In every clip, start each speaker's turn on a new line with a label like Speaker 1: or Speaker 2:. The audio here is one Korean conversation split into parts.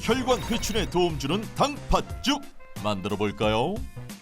Speaker 1: 혈관 회춘에 도움 주는 당팥죽 만들어 볼까요?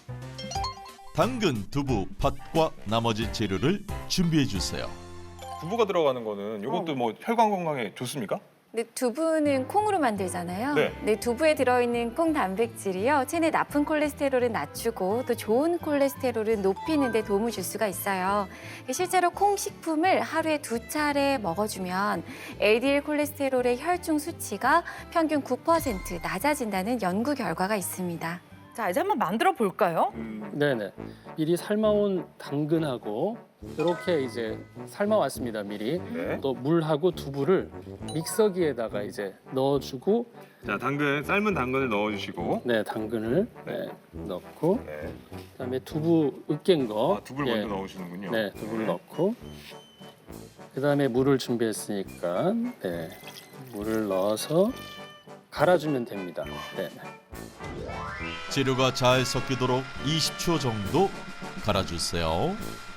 Speaker 1: 당근, 두부, 팥과 나머지 재료를 준비해 주세요.
Speaker 2: 두부가 들어가는 거는 이것도 뭐 혈관 건강에 좋습니까?
Speaker 3: 근데 두부는 콩으로 만들잖아요.
Speaker 2: 네.
Speaker 3: 근데 두부에 들어있는 콩 단백질이요. 체내 나쁜 콜레스테롤을 낮추고 또 좋은 콜레스테롤을 높이는 데 도움을 줄 수가 있어요. 실제로 콩 식품을 하루에 2차례 먹어주면 LDL 콜레스테롤의 혈중 수치가 평균 9% 낮아진다는 연구 결과가 있습니다.
Speaker 4: 자, 이제 한번 만들어 볼까요?
Speaker 5: 네네. 미리 삶아온 당근하고 이렇게 이제 삶아왔습니다. 미리.
Speaker 2: 네.
Speaker 5: 또 물하고 두부를 믹서기에다가 이제 넣어주고,
Speaker 2: 자, 삶은 당근을 넣어주시고.
Speaker 5: 네, 당근을 넣고,
Speaker 2: 네.
Speaker 5: 그다음에 두부 으깬 거.
Speaker 2: 두부를
Speaker 5: 예,
Speaker 2: 먼저 넣으시는군요.
Speaker 5: 네, 두부를 넣고, 그다음에 물을 준비했으니까, 네, 물을 넣어서 갈아주면 됩니다. 네.
Speaker 1: 재료가 잘 섞이도록 20초 정도 갈아주세요.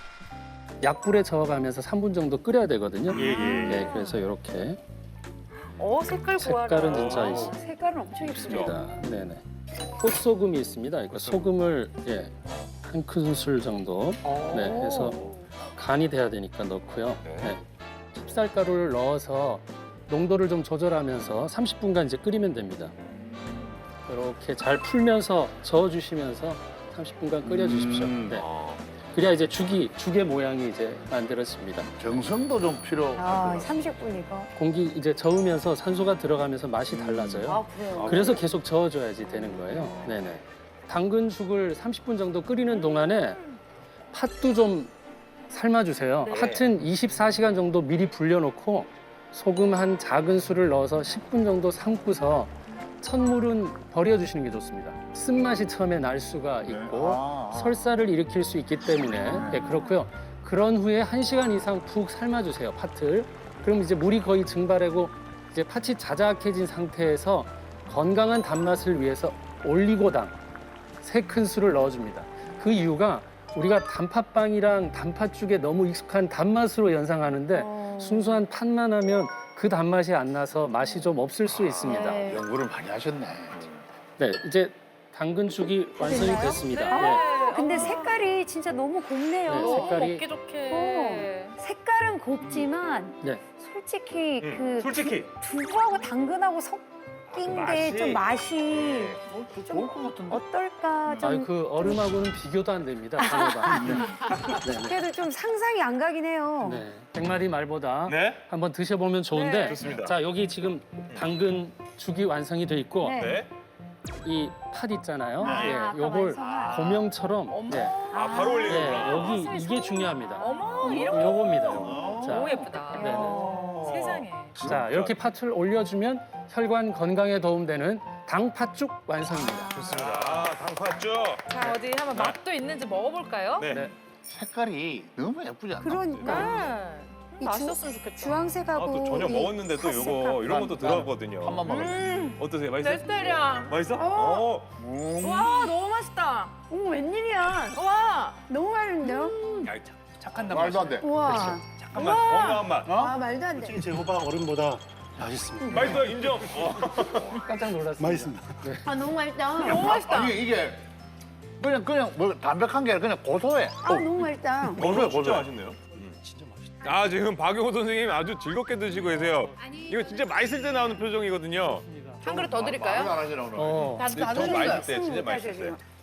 Speaker 5: 약불에 저어가면서 3분 정도 끓여야 되거든요.
Speaker 2: 예.
Speaker 5: 네, 그래서 이렇게
Speaker 4: 색깔 고와라.
Speaker 5: 색깔은 진짜 있습니다.
Speaker 4: 색깔은 엄청 예쁘죠.
Speaker 5: 네네. 꽃소금이 있습니다. 이거 소금을 한 큰술 정도 해서 간이 돼야 되니까 넣고요. 네. 찹쌀가루를 넣어서 농도를 좀 조절하면서 30분간 이제 끓이면 됩니다. 이렇게 잘 풀면서 저어주시면서 30분간 끓여주십시오. 네. 그래야 이제 죽의 모양이 이제 만들어집니다.
Speaker 6: 정성도 좀 필요하더라고요.
Speaker 4: 30분이고.
Speaker 5: 공기 이제 저으면서 산소가 들어가면서 맛이 달라져요.
Speaker 4: 그래요?
Speaker 5: 그래서 계속 저어줘야지 되는 거예요. 네네. 당근죽을 30분 정도 끓이는 동안에 팥도 좀 삶아주세요.
Speaker 4: 네.
Speaker 5: 팥은 24시간 정도 미리 불려놓고 소금 한 작은 술을 넣어서 10분 정도 삶고서 첫물은 버려주시는 게 좋습니다. 쓴맛이 처음에 날 수가 있고 설사를 일으킬 수 있기 때문에 그렇고요. 그런 후에 1시간 이상 푹 삶아주세요, 팥을. 그럼 이제 물이 거의 증발하고 이제 팥이 자작해진 상태에서 건강한 단맛을 위해서 올리고당 3큰술을 넣어줍니다. 그 이유가 우리가 단팥빵이랑 단팥죽에 너무 익숙한 단맛으로 연상하는데 순수한 팥만 하면 그 단맛이 안 나서 맛이 좀 없을 수 있습니다.
Speaker 6: 연구를 많이 하셨네.
Speaker 5: 네, 이제 당근죽이 완성이
Speaker 4: 됐나요?
Speaker 5: 됐습니다.
Speaker 4: 네.
Speaker 7: 근데 색깔이 진짜 너무 곱네요.
Speaker 5: 네, 색깔이
Speaker 4: 먹기 좋게.
Speaker 7: 색깔은 곱지만
Speaker 5: 네.
Speaker 7: 솔직히
Speaker 2: 솔직히.
Speaker 7: 두부하고 당근하고 섞인 게 좀 맛이
Speaker 6: 좋을 것 같은데.
Speaker 7: 어떨까 좀
Speaker 5: 아니, 그 얼음하고는 비교도 안 됩니다. 비교가. 네. 네.
Speaker 7: 그래도 좀 상상이 안 가긴 해요.
Speaker 5: 네. 100마리 말보다
Speaker 2: 네.
Speaker 5: 한번 드셔보면 좋은데
Speaker 4: 네.
Speaker 2: 좋습니다.
Speaker 5: 자, 여기 지금 당근 죽이 완성이 돼 있고
Speaker 7: 네.
Speaker 2: 네.
Speaker 5: 이 팥 있잖아요.
Speaker 7: 네.
Speaker 5: 예,
Speaker 7: 아까
Speaker 5: 요걸
Speaker 7: 완성한.
Speaker 5: 고명처럼 예,
Speaker 2: 바로 올리는구나.
Speaker 5: 여기 이게 중요합니다.
Speaker 4: 어머, 이렇게.
Speaker 5: 요겁니다. 요거. 자,
Speaker 4: 너무 예쁘다.
Speaker 5: 네네.
Speaker 4: 세상에.
Speaker 5: 자, 이렇게 팥을 올려주면 혈관 건강에 도움되는 당팥죽 완성입니다.
Speaker 2: 좋습니다. 당팥죽.
Speaker 4: 자, 어디 한번 맛도 있는지 먹어볼까요?
Speaker 2: 네.
Speaker 5: 네.
Speaker 6: 색깔이 너무 예쁘지 않나?
Speaker 7: 그러니까 이
Speaker 4: 맛있었으면 좋겠다.
Speaker 7: 주황색하고
Speaker 2: 또 저녁
Speaker 7: 이
Speaker 2: 먹었는데 또
Speaker 7: 팥색깔.
Speaker 2: 요거 이런 것도 들어갔거든요.
Speaker 6: 한번 먹어요.
Speaker 2: 어떠세요? 맛있어요?
Speaker 4: 내 스타일이야.
Speaker 2: 맛있어?
Speaker 4: 와, 너무 맛있다.
Speaker 7: 어머 웬일이야?
Speaker 4: 와.
Speaker 7: 너무 맛있는데요?
Speaker 2: 야, 착한 단맛.
Speaker 6: 말도 안 돼.
Speaker 7: 우와.
Speaker 2: 잠깐만. 건강한 맛.
Speaker 7: 아 말도 안 돼.
Speaker 8: 제 호박 얼음보다 맛있습니다.
Speaker 2: 맛있어, 인정.
Speaker 5: 깜짝 놀랐습니다.
Speaker 8: 맛있습니다.
Speaker 7: 아 너무 맛있다.
Speaker 4: 너무 맛있다.
Speaker 6: 아니 이게 그냥 뭐 담백한 게 아니라 그냥 고소해.
Speaker 7: 아 너무 맛있다.
Speaker 6: 고소해
Speaker 2: 진짜
Speaker 6: 고소해.
Speaker 2: 맛있네요. 아, 지금 박용호 선생님 아주 즐겁게 드시고 계세요. 이거 진짜 맛있을 때 나오는 표정이거든요.
Speaker 4: 한 그릇 더
Speaker 6: 말도
Speaker 4: 드릴까요?
Speaker 6: 안 하시나 오늘.
Speaker 5: 어.
Speaker 4: 나도
Speaker 2: 더 맛있을 때, 진짜 맛있을 때.